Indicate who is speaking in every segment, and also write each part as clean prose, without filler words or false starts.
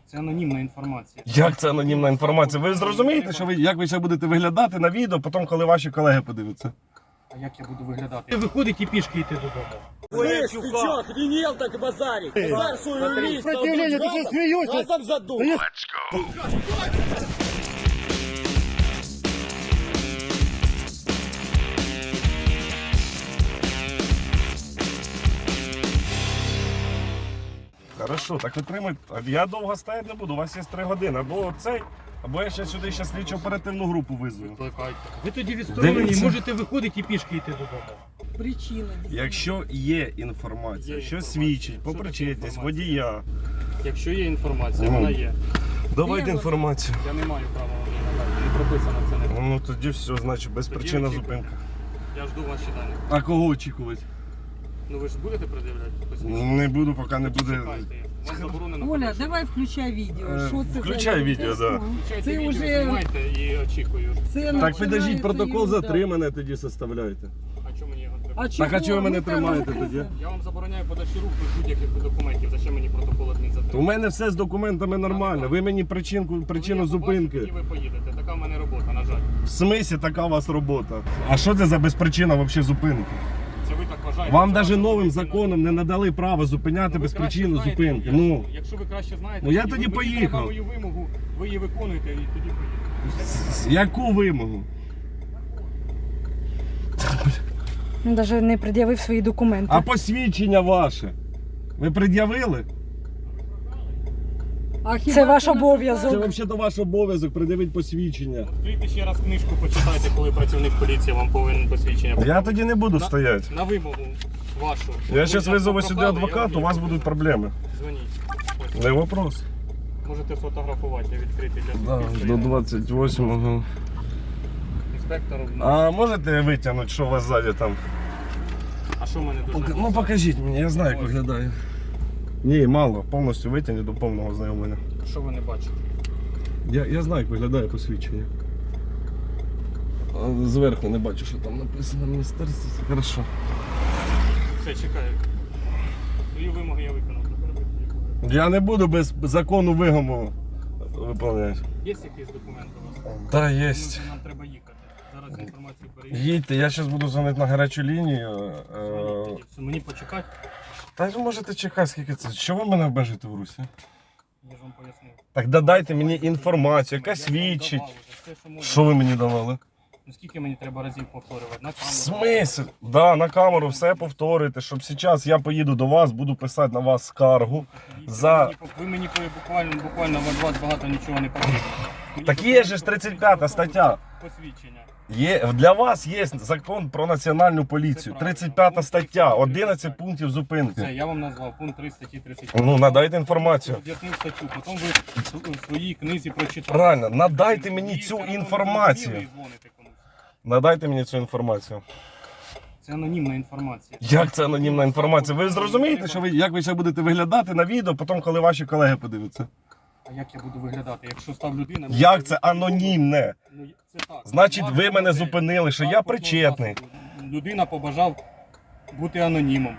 Speaker 1: Це анонімна інформація.
Speaker 2: Як це анонімна інформація? Ви зрозумієте, що як ви ще будете виглядати на відео, потім, коли ваші колеги подивляться?
Speaker 1: А як я буду виглядати? Виходить і пішки йти додому.
Speaker 3: Слышь, ты чё, охренел так базарить? Базар свою лист,
Speaker 4: Сопротивление, ты что смеешься?
Speaker 3: газом задул.
Speaker 2: Хорошо, так витримайте. Я довго стояти не буду, у вас є 3 години. Або цей, або я ще сюди слідчо оперативну групу визвою.
Speaker 1: Викликайте. Ви тоді відсторонені,
Speaker 2: Дивіться.
Speaker 1: можете виходити і пішки йти додому.
Speaker 5: Причина.
Speaker 2: Якщо є інформація,
Speaker 1: Є
Speaker 2: що
Speaker 1: інформація.
Speaker 2: свідчить по
Speaker 1: Що таке
Speaker 2: причетність
Speaker 1: інформація?
Speaker 2: водія,
Speaker 1: Якщо є інформація,
Speaker 2: Ну.
Speaker 1: вона є.
Speaker 2: давайте інформацію.
Speaker 1: Я не маю права вам її надати. Не прописано це не.
Speaker 2: Ну тоді все, значить, безпричинна
Speaker 1: очікуємо.
Speaker 2: зупинка.
Speaker 1: Я жду ваші дані.
Speaker 2: А кого очікувати?
Speaker 1: Ну ви ж будете пред'являти? Посвідчення?
Speaker 2: Не буду, поки не буде.
Speaker 1: Чекайте. Вам заборонено.
Speaker 5: Оля,
Speaker 1: подальше.
Speaker 5: давай включай відео. Що це
Speaker 2: включай
Speaker 5: за
Speaker 2: відео, да.
Speaker 1: Включайте
Speaker 5: Це
Speaker 1: відео,
Speaker 5: вже
Speaker 1: знімайте і очікую.
Speaker 5: це
Speaker 2: Так
Speaker 5: починається
Speaker 2: підождіть, протокол
Speaker 5: ерунда.
Speaker 2: затримання тоді составляєте.
Speaker 1: А чому мені його треба?
Speaker 2: Так а чого ви мене
Speaker 5: Ну, там
Speaker 2: тримаєте
Speaker 5: розказуй.
Speaker 2: тоді?
Speaker 1: Я вам забороняю подачі рук без будь-яких документів. Зачем мені протокол адмінзатримання?
Speaker 2: У мене все з документами нормально. Ви мені причину зупинки.
Speaker 1: І ви поїдете. Така в мене робота, на жаль.
Speaker 2: В смислі така у вас робота? А що це за безпричина взагалі зупинки?
Speaker 1: Це ви так вважаєте.
Speaker 2: Вам
Speaker 1: Це
Speaker 2: навіть
Speaker 1: ваша
Speaker 2: новим
Speaker 1: суб'єктивна
Speaker 2: законом не надали право зупиняти
Speaker 1: Ви
Speaker 2: без
Speaker 1: краще
Speaker 2: причини
Speaker 1: знаєте,
Speaker 2: зупинки.
Speaker 1: Якщо ви краще знаєте,
Speaker 2: Ну, я
Speaker 1: і
Speaker 2: тоді
Speaker 1: ви мені
Speaker 2: поїхав.
Speaker 1: треба мою вимогу, ви її виконуєте і тоді поїдете.
Speaker 2: Яку вимогу?
Speaker 6: Він навіть не пред'явив свої документи.
Speaker 2: А посвідчення ваше? Ви пред'явили?
Speaker 5: А хіба
Speaker 6: Це ваш
Speaker 5: на
Speaker 6: обов'язок.
Speaker 2: Це взагалі ваш обов'язок пред'явити посвідчення.
Speaker 1: Відкрийте ще раз книжку, почитайте, коли працівник поліції вам повинен посвідчення.
Speaker 2: Я тоді не буду стояти.
Speaker 1: На вимогу вашу.
Speaker 2: Я зараз визову сюди
Speaker 1: Прохали,
Speaker 2: адвоката,
Speaker 1: я
Speaker 2: у вас
Speaker 1: вам
Speaker 2: будуть проблеми.
Speaker 1: Дзвоніть. Ось.
Speaker 2: Не вопрос.
Speaker 1: Можете фотографувати, я відкритий для
Speaker 2: Да,
Speaker 1: суспільства.
Speaker 2: до 28-го.
Speaker 1: Інспектору.
Speaker 2: А можете витягнути, що у вас ззаді там?
Speaker 1: А що в мене дуже?
Speaker 2: Ну покажіть мені, я знаю, як виглядає. Ні, мало, повністю витягніть до повного знайомлення.
Speaker 1: Що ви не бачите?
Speaker 2: Я знаю, як виглядає посвідчення. А зверху не бачу, що там написано міністерство. Це хорошо.
Speaker 1: Все, чекаю. Свої вимоги я виконав.
Speaker 2: Я не буду без закону вимогу виконувати.
Speaker 1: Є якийсь документ у вас?
Speaker 2: Так, є.
Speaker 1: Нам треба їхати. Зараз інформацію перевірю.
Speaker 2: Їдьте, я зараз буду дзвонити на гарячу лінію.
Speaker 1: Дзвоніть тоді. Все, мені почекати.
Speaker 2: Та ви можете чекати, скільки це. Що ви мене обмежите в Русі?
Speaker 1: Я ж вам пояснив.
Speaker 2: Так додайте мені інформацію, яка
Speaker 1: Я вам
Speaker 2: свідчить.
Speaker 1: давав уже все, що можна.
Speaker 2: Що ви мені давали?
Speaker 1: Ну скільки мені треба разів повторювати? На
Speaker 2: В
Speaker 1: камеру.
Speaker 2: смислі? Да, на камеру все повторюйте, щоб зараз я поїду до вас, буду писати на вас скаргу. За...
Speaker 1: Ви мені буквально від вас багато нічого не потрібно. Мені
Speaker 2: Так є же ж 35-та стаття.
Speaker 1: Посвідчення.
Speaker 2: Для вас є закон про національну поліцію. 35 стаття, 11 пунктів
Speaker 1: Все,
Speaker 2: зупинки.
Speaker 1: я вам назвав пункт 3 статті 35.
Speaker 2: Ну, надайте інформацію.
Speaker 1: Об'яснив статтю, потім ви в своїй книзі прочитали.
Speaker 2: Правильно, надайте мені
Speaker 1: І
Speaker 2: цю
Speaker 1: все одно не
Speaker 2: інформацію.
Speaker 1: зрозуміли і дзвоните комусь.
Speaker 2: Надайте мені цю інформацію.
Speaker 1: Це анонімна інформація.
Speaker 2: Як це анонімна інформація? Ви зрозумієте, що як ви ще будете виглядати на відео, потім, коли ваші колеги подивляться?
Speaker 1: А як я буду виглядати, якщо став людина...
Speaker 2: Як це анонімне?
Speaker 1: Ну, це так.
Speaker 2: Значить, ви
Speaker 1: Транспортного
Speaker 2: мене
Speaker 1: засобу.
Speaker 2: зупинили, що я
Speaker 1: Транспортного
Speaker 2: причетний.
Speaker 1: засобу. Людина побажав бути анонімом.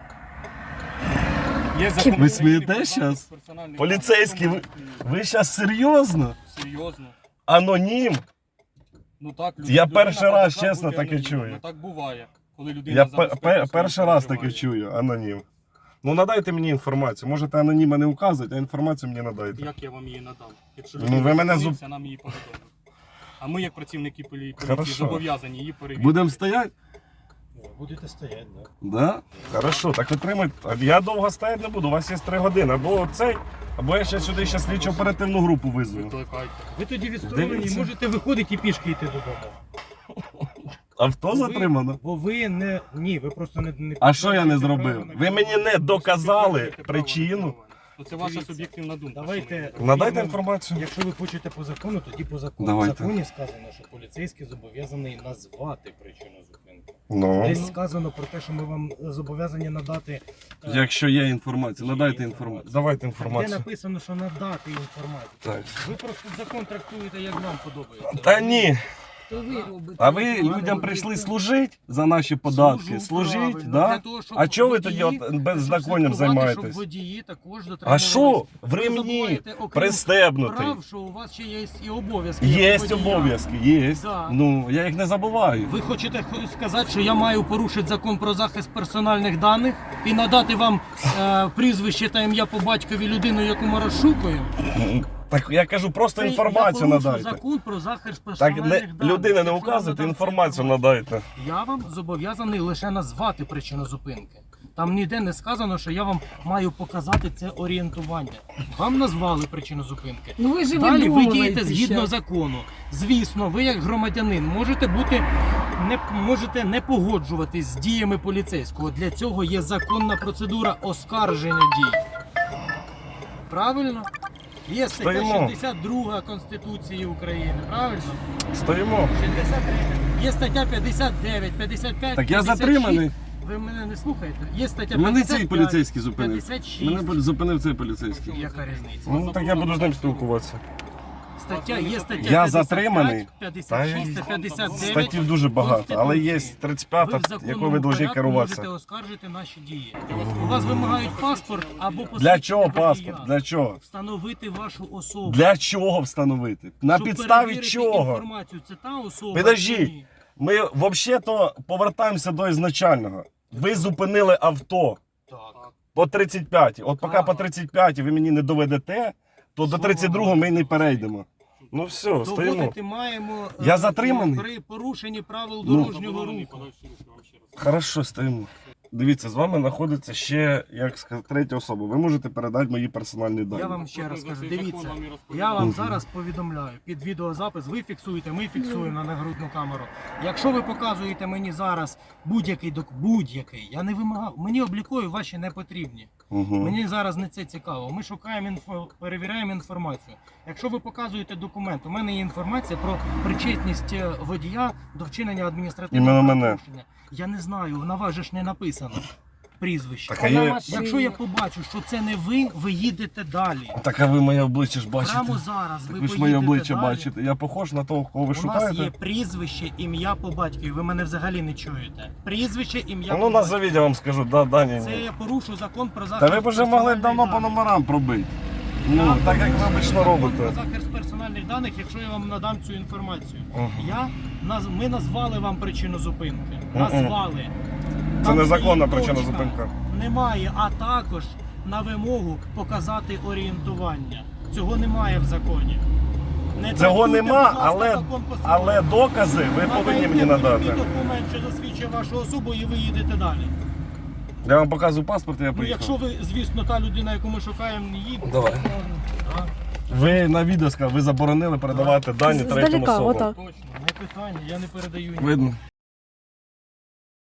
Speaker 1: Є закон
Speaker 2: Ви
Speaker 1: України
Speaker 2: смієтесь
Speaker 1: про захист
Speaker 2: щас?
Speaker 1: персональних
Speaker 2: Поліцейський,
Speaker 1: даних.
Speaker 2: ви зараз серйозно?
Speaker 1: Серйозно.
Speaker 2: Анонім?
Speaker 1: Ну так,
Speaker 2: Я
Speaker 1: людина
Speaker 2: перший раз,
Speaker 1: побажав
Speaker 2: чесно,
Speaker 1: бути
Speaker 2: таке
Speaker 1: анонімом.
Speaker 2: чую.
Speaker 1: Ну так буває, коли людина
Speaker 2: Я
Speaker 1: за безпеку свою
Speaker 2: перший раз таке
Speaker 1: переживає.
Speaker 2: чую, анонім. Ну надайте мені інформацію. Можете аноніма не указувати, а інформацію мені надайте.
Speaker 1: Як я вам її надам? Якщо
Speaker 2: Ну,
Speaker 1: людина
Speaker 2: ви мене
Speaker 1: зупиниться, нам її повідомить. А ми, як працівники поліції,
Speaker 2: Хорошо.
Speaker 1: зобов'язані її перевірити.
Speaker 2: Будемо стояти?
Speaker 4: Будете стоять, да.
Speaker 2: Да? Хорошо, так витримайте. Я довго стояти не буду, у вас є 3 години. Або цей, або я ще сюди слідчо оперативну групу визвою.
Speaker 1: Викликайте. Ви тоді відсторонені,
Speaker 2: Дивіться.
Speaker 1: можете виходити і пішки йти додому.
Speaker 2: Авто затримано.
Speaker 4: Бо ви не... Ні, ви просто не...
Speaker 2: А що я не
Speaker 4: маєте
Speaker 2: зробив?
Speaker 4: права на
Speaker 2: Ви мені не доказали
Speaker 1: Маєте право на
Speaker 2: причину.
Speaker 1: керування. Ну, це ваша
Speaker 4: Дивіться,
Speaker 1: суб'єктивна думка.
Speaker 4: давайте-
Speaker 1: що мені
Speaker 2: Надайте
Speaker 4: Іменно,
Speaker 2: інформацію.
Speaker 4: Якщо ви хочете по закону, тоді по закону.
Speaker 2: Давайте.
Speaker 4: В законі сказано, що поліцейський зобов'язаний назвати причину зупинки.
Speaker 2: Ну.
Speaker 4: Десь сказано про те, що ми вам зобов'язані надати...
Speaker 2: Якщо є інформація, надайте інформацію. Давайте
Speaker 4: Де
Speaker 2: інформацію.
Speaker 4: написано, що надати інформацію.
Speaker 2: Так.
Speaker 4: Ви просто закон трактуєте, як вам подобається.
Speaker 2: Та ні.
Speaker 5: То ви робите.
Speaker 2: А ви людям прийшли служити за наші податки? Служіть, да? А чого ви тоді от беззаконням
Speaker 4: Щоб
Speaker 2: займаєтесь?
Speaker 4: водії також
Speaker 2: А
Speaker 4: дотримувались.
Speaker 2: що? В
Speaker 4: Ви
Speaker 2: ремні
Speaker 4: забуваєте, окрім
Speaker 2: пристебнутий.
Speaker 4: прав, що у вас ще є і обов'язки.
Speaker 2: Є
Speaker 4: як водія.
Speaker 2: обов'язки, є.
Speaker 4: Да.
Speaker 2: Ну, я їх не забуваю.
Speaker 4: Ви хочете сказати, що я маю порушити закон про захист персональних даних і надати вам прізвище та ім'я по батькові людину, яку ми розшукуємо?
Speaker 2: Так я кажу, просто інформацію
Speaker 4: я порушу
Speaker 2: надайте.
Speaker 4: закон про захист
Speaker 2: Так
Speaker 4: персональних
Speaker 2: не,
Speaker 4: даних.
Speaker 2: людина не
Speaker 4: Якщо
Speaker 2: указуйте,
Speaker 4: я надам
Speaker 2: інформацію
Speaker 4: цю
Speaker 2: надайте.
Speaker 4: Я вам зобов'язаний лише назвати причину зупинки. Там ніде не сказано, що я вам маю показати це орієнтування. Вам назвали причину зупинки.
Speaker 5: Ну ви ж
Speaker 4: Далі ви
Speaker 5: видумуєте
Speaker 4: дієте згідно
Speaker 5: щас.
Speaker 4: закону. Звісно, ви як громадянин можете не погоджуватись з діями поліцейського. Для цього є законна процедура оскарження дій. Правильно? Є стаття
Speaker 2: Стоїмо.
Speaker 4: 62 Конституції України. Правильно?
Speaker 2: Стоїмо.
Speaker 4: 63. Є стаття 59, 55,
Speaker 2: Так я
Speaker 4: 56.
Speaker 2: затриманий.
Speaker 4: Ви мене не слухаєте? Є стаття
Speaker 2: Мене
Speaker 4: 55,
Speaker 2: цей поліцейський зупинив.
Speaker 4: 56.
Speaker 2: Мене зупинив цей поліцейський.
Speaker 4: Яка різниця?
Speaker 2: Ну так я буду з ним спілкуватися.
Speaker 4: Є стаття
Speaker 2: Я
Speaker 4: 55,
Speaker 2: затриманий.
Speaker 4: 56 та 59.
Speaker 2: Статтів дуже багато, але є
Speaker 4: Конституції.
Speaker 2: 35,
Speaker 4: Ви в законному
Speaker 2: якою ви повинні
Speaker 4: порядку
Speaker 2: керуватися.
Speaker 4: можете оскаржити наші дії. У вас вимагають паспорт або
Speaker 2: Для
Speaker 4: посвідчення
Speaker 2: чого
Speaker 4: водія.
Speaker 2: паспорт? Для чого?
Speaker 4: Встановити вашу особу.
Speaker 2: Для чого встановити? На
Speaker 4: Щоб
Speaker 2: підставі
Speaker 4: перевірити
Speaker 2: чого?
Speaker 4: інформацію. Це та особа.
Speaker 2: Підождіть.
Speaker 4: чи ні?
Speaker 2: Ми взагалі-то повертаємося до ізначального. Ви зупинили авто
Speaker 4: Так.
Speaker 2: по 35. От поки
Speaker 4: Так.
Speaker 2: по 35 ви мені не доведете, то до
Speaker 4: Що
Speaker 2: 32 ми й не перейдемо. Ну все, стоїмо.
Speaker 4: Доводити маємо
Speaker 2: Я затриманий?
Speaker 4: при порушенні правил
Speaker 2: Ну.
Speaker 4: дорожнього руху.
Speaker 1: Подальші рухи вам ще раз.
Speaker 2: Хорошо, стоїмо. Дивіться, з вами знаходиться ще, як сказати, третя особа. Ви можете передати мої персональні дані.
Speaker 4: Я вам ще раз кажу,
Speaker 1: За цей
Speaker 4: дивіться,
Speaker 1: закон вам і розповідаю.
Speaker 4: я вам зараз повідомляю, під відеозапис ви фіксуєте, ми фіксуємо на нагрудну камеру. Якщо ви показуєте мені зараз будь-який, я не вимагав, мені облікові ваші не потрібні.
Speaker 2: Угу.
Speaker 4: Мені зараз не це цікаво. Ми шукаємо перевіряємо інформацію. Якщо ви показуєте документ, у мене є інформація про причетність водія до вчинення адміністративного
Speaker 2: Іменно мене.
Speaker 4: правопорушення. Я не знаю, на вас же ж не написано прізвище.
Speaker 2: Так, а є...
Speaker 4: Якщо я побачу, що це не ви, ви їдете далі.
Speaker 2: так а ви моє обличчя ж бачите.
Speaker 4: Прямо зараз
Speaker 2: Так
Speaker 4: ви
Speaker 2: ви ж
Speaker 4: поїдете
Speaker 2: моє обличчя
Speaker 4: далі.
Speaker 2: бачите. Я похож на того, кого ви
Speaker 4: У нас є
Speaker 2: шукаєте?
Speaker 4: прізвище, ім'я по батькові. Ви мене взагалі не чуєте. Прізвище, ім'я
Speaker 2: Ну
Speaker 4: по батькові.
Speaker 2: назовіть, я вам скажу, Дані.
Speaker 4: Це я порушу закон про захист.
Speaker 2: Та ви б вже могли давно по
Speaker 4: персональних
Speaker 2: номерам пробити. Ну,
Speaker 4: Я
Speaker 2: так як ви
Speaker 4: порушу
Speaker 2: обично
Speaker 4: закон
Speaker 2: робите.
Speaker 4: Про захист персональних даних, якщо я вам надам цю інформацію.
Speaker 2: Ага.
Speaker 4: Ми назвали вам причину зупинки.
Speaker 2: Мгм.
Speaker 4: Назвали.
Speaker 2: Це
Speaker 4: Там
Speaker 2: незаконна
Speaker 4: стоїть
Speaker 2: причина
Speaker 4: точка.
Speaker 2: зупинки.
Speaker 4: Немає, а також на вимогу показати орієнтування. Цього немає в законі. Не
Speaker 2: Цього
Speaker 4: трактуйте,
Speaker 2: нема,
Speaker 4: будь ласка, закон по
Speaker 2: але
Speaker 4: собі.
Speaker 2: докази ви повинні мені
Speaker 4: Надайте
Speaker 2: надати.
Speaker 4: мені документ, що засвідчує вашу особу, і ви їдете далі.
Speaker 2: Я вам показую паспорт, і я
Speaker 4: Ну,
Speaker 2: поїхав.
Speaker 4: якщо ви, звісно, та людина, яку ми шукаємо, не їде.
Speaker 2: Давай.
Speaker 4: Так,
Speaker 2: Ви на відео сказали, ви заборонили передавати дані третім
Speaker 6: Здалека,
Speaker 2: особам.
Speaker 6: отак.
Speaker 4: точно, не питання, я не передаю ні.
Speaker 2: Видно.